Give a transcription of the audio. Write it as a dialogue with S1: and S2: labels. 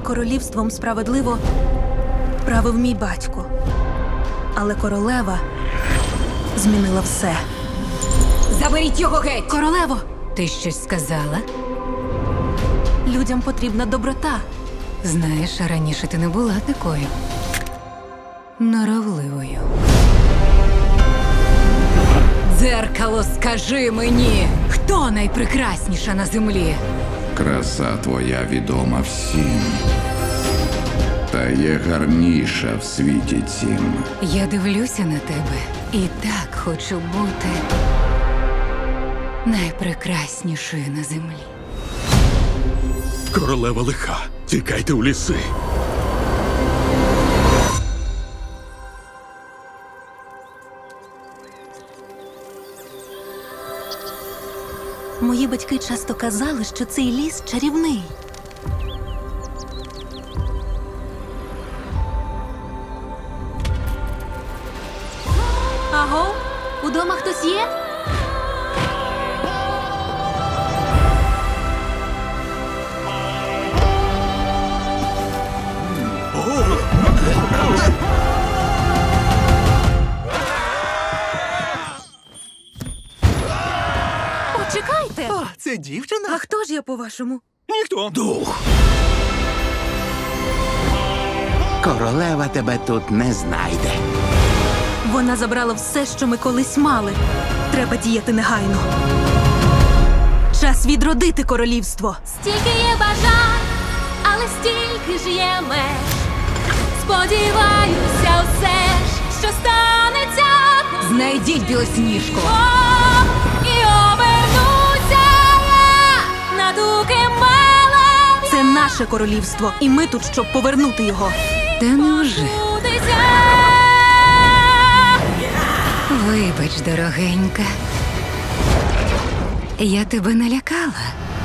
S1: королівством справедливо правив мій батько. Але королева змінила все.
S2: Заберіть його геть!
S1: Королево,
S2: Ти щось сказала?
S1: людям потрібна доброта.
S2: Знаєш, раніше ти не була такою норовливою. Дзеркало, скажи мені, хто найпрекрасніша на землі?
S3: Краса твоя відома всім. Та є гарніша в світі цім.
S2: Я дивлюся на тебе і так хочу бути найпрекраснішою на землі.
S4: Королева лиха. Тікайте у ліси.
S1: Мої батьки часто казали, що цей ліс чарівний. Аго, удома хтось є? Почекайте!
S5: О, це дівчина?
S1: А хто ж я, по-вашому?
S5: Ніхто.
S4: Дух.
S5: Королева тебе тут не знайде.
S1: Вона забрала все, що ми колись мали. Треба діяти негайно. Час відродити королівство.
S6: Стільки є бажань, але стільки ж є меж. Сподіваюся, все ж, що станеться
S2: Знайдіть білосніжку!
S6: і обернуся я на дуки мелові.
S1: Це наше королівство, і ми тут, щоб повернути його.
S2: Та невже?
S6: Будеться.
S2: Вибач, дорогенька. Я тебе налякала.